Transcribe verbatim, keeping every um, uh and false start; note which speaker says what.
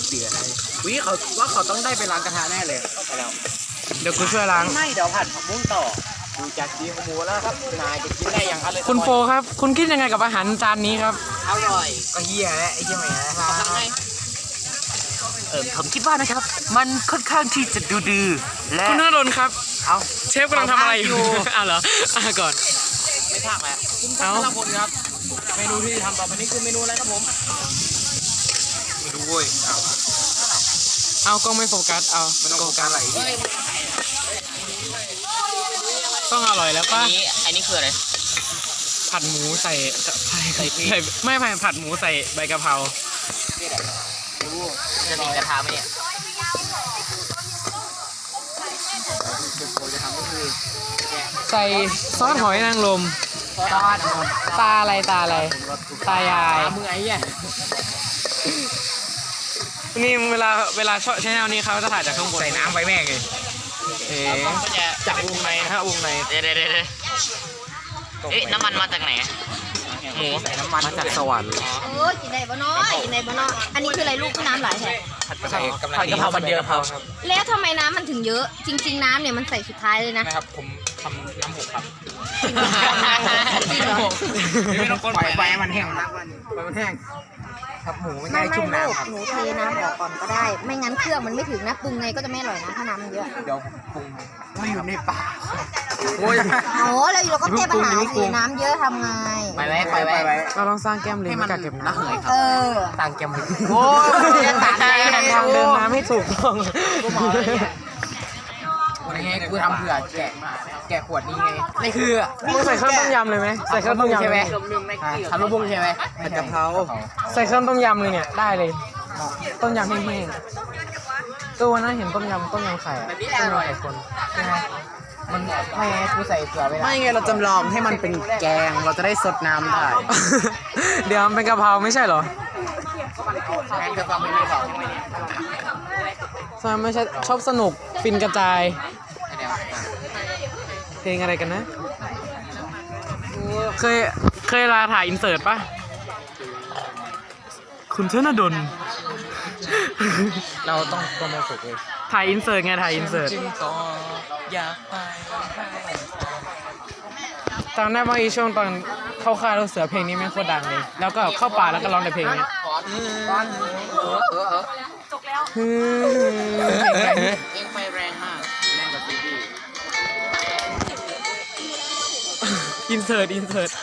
Speaker 1: เสืออะไรวิเขาว่าเขาต้องได้ไปล้างกระทะแน่เลยไปแล้ว
Speaker 2: เดี๋ยวกูช่วยล้าง
Speaker 1: ไม่เดี๋ยวผัดผักบุ้งต่อดูจากดีของหมูแล้วครับนายจะกินได้อย่างอร่อย
Speaker 2: คุณโฟครับ คุณคิดยังไงกับอาหารจานนี้ครับ
Speaker 1: อร่อยก็เฮียแหละไอ้เฮียแหมนะครับเออผมคิดว่านะครับ มันค่อนข้างที่จะดูดื้อและ
Speaker 2: คุณธนดลครับ
Speaker 1: เอา
Speaker 2: เชฟกำลังทำอะไรอยู่ อ้าวเหรออ่ะก่อน
Speaker 1: ไม่พากแล้วคุณ
Speaker 2: เอ้า
Speaker 1: พลพลครับเมนูที่ทำต่อไปนี้คือเมนูอะไรครับผมไม่รู้เว้ยเอา
Speaker 2: เอากล้องไม่โฟกัส เอา
Speaker 1: มันต้องโฟกัสอะไร
Speaker 2: ต้องอร่อยแล้ว
Speaker 1: อั
Speaker 2: ป่ะ
Speaker 1: นนี้อันนี้คืออะไร
Speaker 2: ผัดหมูใส่ใส่
Speaker 1: ใส่พริก
Speaker 2: ใส่ไม่ไม่ผัดหมูใส่ใบกะเพรา
Speaker 1: รู้จะติดกระทะไหมเนี่ยจะทำก็คือ
Speaker 2: ใส่ซอสหอยนางรม
Speaker 1: ซอส
Speaker 2: ตาอะไรตาอะไร ตายาย
Speaker 1: ตามือไอ้เนี่ย
Speaker 2: นี่เวลาเวลาช่องชแนลนี้เขาจะถ่ายจากข้างบน
Speaker 1: ใส่น้ำไปแม่งเลย
Speaker 2: เอ๋
Speaker 1: ก็จะ
Speaker 2: จากวงในนะฮะวงใน
Speaker 3: เดี๋ยวเดี๋ยวเดี๋ยวเอ๊ะน้ำมันมาจากไหน
Speaker 1: หมูใส่น้ำมัน
Speaker 2: มาจากสวรรค์
Speaker 4: เออกินได้บ่น้อยกินได้บ่น้อยอันนี้คืออะไรลูกน้ำไหลแท้
Speaker 1: ใส่กำลังผัดกะเพรามันเยอะครับ
Speaker 4: แล้วทำไมน้ำมันถึงเยอะ จริง ๆ น้ำเนี่ยมันใส่สุดท้ายเลยนะ
Speaker 1: นะครับผมทำน้ำหกครับ
Speaker 4: จริงเหรอ
Speaker 1: ไม่ต้องคนปล่อยไฟมันแห้งนะไฟมันแห้งครับหมูไม่
Speaker 4: ไม่
Speaker 1: ได้
Speaker 4: ไม่
Speaker 1: ชุ่ม
Speaker 4: ลูก
Speaker 1: น้ำครับ
Speaker 4: หนูเทน้ำออกก่อนก็ได้ ไม่งั้นเครื่องมันไม่ถึงนะปรุงไงก็จะไม่อร่อยนะถ้าน้ำมันเยอะ
Speaker 1: เดี๋ยวปรุงไม่อยู่ในป่าโอ้ย
Speaker 4: โอ้แล้วเราก็แก้ปัญหาสิน้ำเยอะทำไง
Speaker 1: ไปไว้ไปไว้
Speaker 2: เราต้องสร้างแก้มลิง
Speaker 1: ให้
Speaker 2: ให้
Speaker 1: มัน
Speaker 2: กักเก็บ
Speaker 1: ระ
Speaker 2: น้ำ
Speaker 1: เหยค
Speaker 4: เอ
Speaker 1: รับ
Speaker 4: อ
Speaker 1: ต่างแกม
Speaker 2: โอ้ย
Speaker 1: ต่างแกม
Speaker 2: ทางเดินน้ำให้ถูกต้อง
Speaker 1: วันนี้กูทำเผื่อแกะแกะขวดนี้ไงนี่คือ
Speaker 2: มึงใส่เครื่องต้มยำเลยไหมใส่เครื่องต้มยำ
Speaker 1: ใช่ไหม
Speaker 2: เลย
Speaker 1: ทำลูกบุ้งใช่ไหมผัดกะเพรา
Speaker 2: ใส่เครื่องต้มยำเลยเนี่ยได้เลย ต้มยำแห้งๆตัวนั้นเห็นต้มยำต้มยำไข่อะต้มยำไข่คนใช่ไหม
Speaker 1: มันไม่ไงกูใส่เกลือไป
Speaker 5: ไม่ไงเราจำลองให้มันเป็นแกงเราจะได้สดน้ำได้
Speaker 2: เดี๋ยวมันเป็นกะเพราไม่ใช่เหรอ
Speaker 1: แกงกะเพราไม่ได้บอก
Speaker 2: ใช่ไม่ใช่ชอบสนุกฟินกระจาย เพลงอะไรกันนะ เคยเคยลาถ่ายอินเสิร์ตปะคุณธนดล
Speaker 1: เราต้องโปรโมทสุกเลย
Speaker 2: ถ่ายอินเสิร์ตไงถ่ายอินเสิร์ต
Speaker 1: จึงก็อยากไป
Speaker 2: ตอนนั้นบางอีช่วงตอนเข้าค่ายลูกเสือเพลงนี้แม่งโคตรดังเลย แล้วก็เข้าป่าแล้วก็ร้องแต่เพลงเนี้ย
Speaker 1: เออเออเออ
Speaker 2: ฮึ่ม
Speaker 1: เองไฟแรงมากแรงกว่าซีดี
Speaker 2: อินเสิร์ตอินเสิร์ต